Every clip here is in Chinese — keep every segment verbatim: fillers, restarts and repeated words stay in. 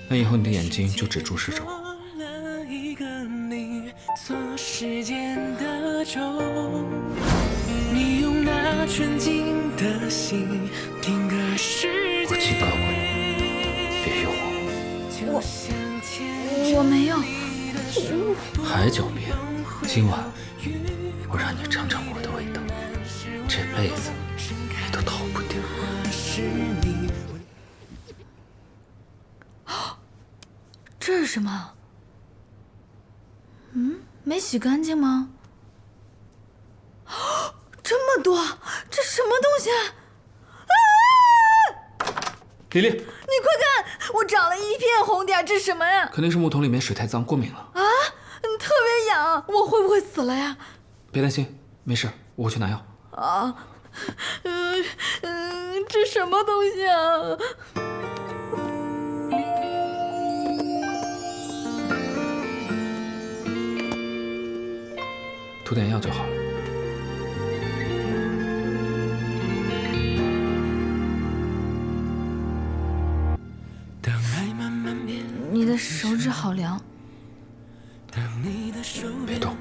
那以后你的眼睛就只注视着我。我警告过你，别诱惑我。 我我没有。 还狡辩！今晚我让你尝尝我的味道，这辈子你都逃不掉。 这是什么？嗯，没洗干净吗？这么多，这什么东西啊？啊！ 丽丽， 你快看，我长了一片红点，这是什么呀？ 肯定是木桶里面水太脏，过敏了。 啊，特别痒，我会不会死了呀？ 别担心，没事，我会去拿药。 啊，嗯嗯，这什么东西啊？ 涂点药就好了。 你的手指好凉。 别动。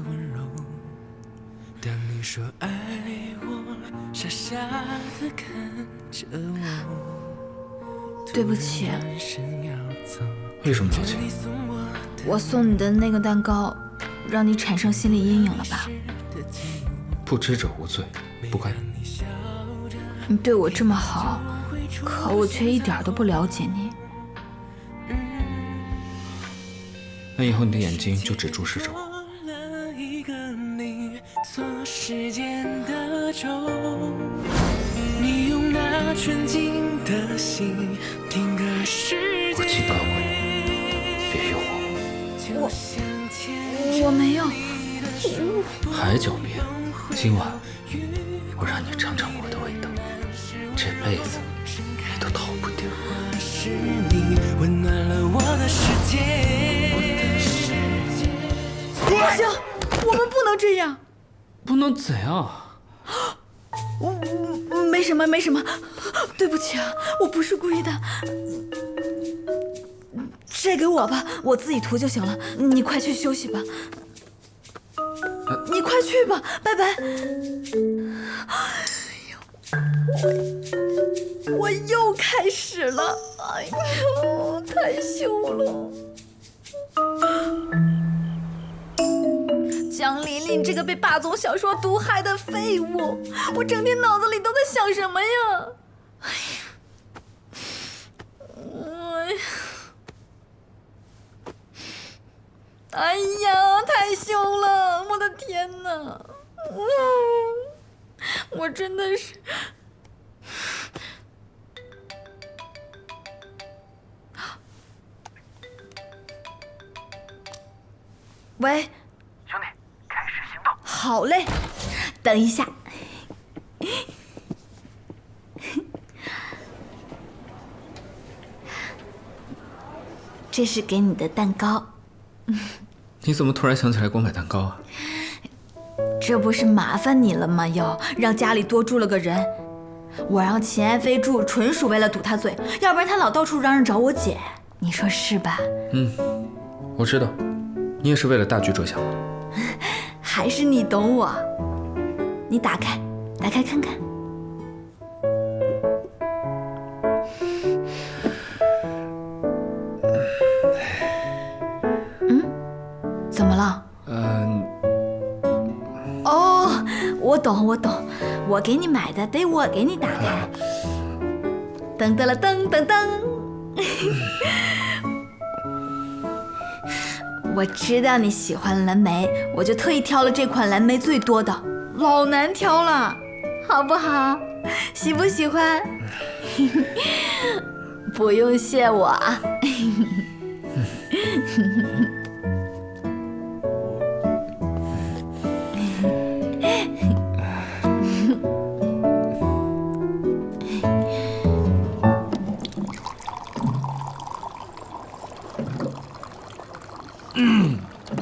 对不起。 为什么道歉？ 我送你的那个蛋糕，让你产生心理阴影了吧？ 不知者无罪，不该。 你对我这么好，可我却一点都不了解你。 那以后你的眼睛就只注视着我。我警告过你，别诱惑我。我我没有。 还狡辩！今晚我让你尝尝我的味道，这辈子你都逃不掉。 不行，我们不能这样。 不能怎样？ 我我没什么，没什么，对不起啊，我不是故意的。这给我吧，我自己涂就行了。你快去休息吧。你快去吧，拜拜。我我又开始了，哎呦，太羞了。江琳琳这个被霸总小说毒害的废物，我整天脑子里都在想什么呀？哎呀，哎呀，哎呀，太羞了！我的天哪，嗯，我真的是。喂， 兄弟，开始行动。 好嘞，等一下。这是给你的蛋糕。 你怎么突然想起来给我买蛋糕啊？ 这不是麻烦你了吗？又让家里多住了个人，我让秦爱妃住，纯属为了堵他嘴，要不然他老到处嚷嚷找我姐，你说是吧？ 嗯，我知道，你也是为了大局着想嘛。 还是你懂我。你打开，打开看看。嗯，怎么了？ 嗯、 呃。哦，我懂，我懂，我给你买的，得我给你打开。噔噔了噔噔噔。我知道你喜欢蓝莓，我就特意挑了这款蓝莓最多的，老难挑了，好不好？喜不喜欢？不用谢我啊。 嗯，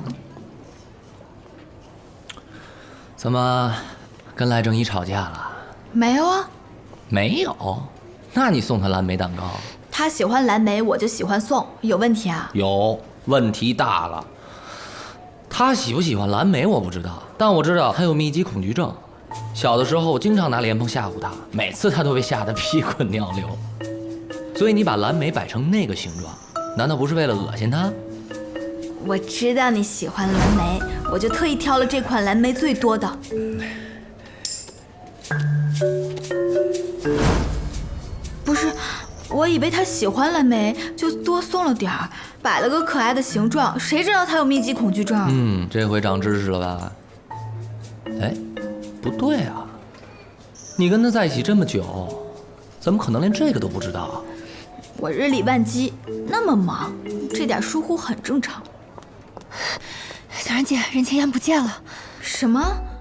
怎么跟赖正一吵架了？ 没有啊。 没有？那你送他蓝莓蛋糕？ 他喜欢蓝莓，我就喜欢宋，有问题啊？ 有问题大了。他喜不喜欢蓝莓我不知道，但我知道他有密集恐惧症。小的时候我经常拿莲蓬吓唬他，每次他都被吓得屁滚尿流。所以你把蓝莓摆成那个形状，难道不是为了恶心他？ 我知道你喜欢蓝莓，我就特意挑了这款蓝莓最多的。不是，我以为他喜欢蓝莓，就多送了点儿，摆了个可爱的形状，谁知道他有密集恐惧症？ 嗯，这回长知识了吧？哎，不对啊，你跟他在一起这么久，怎么可能连这个都不知道？ 我日理万机，那么忙，这点疏忽很正常。 小然姐，任千言不见了。 什么？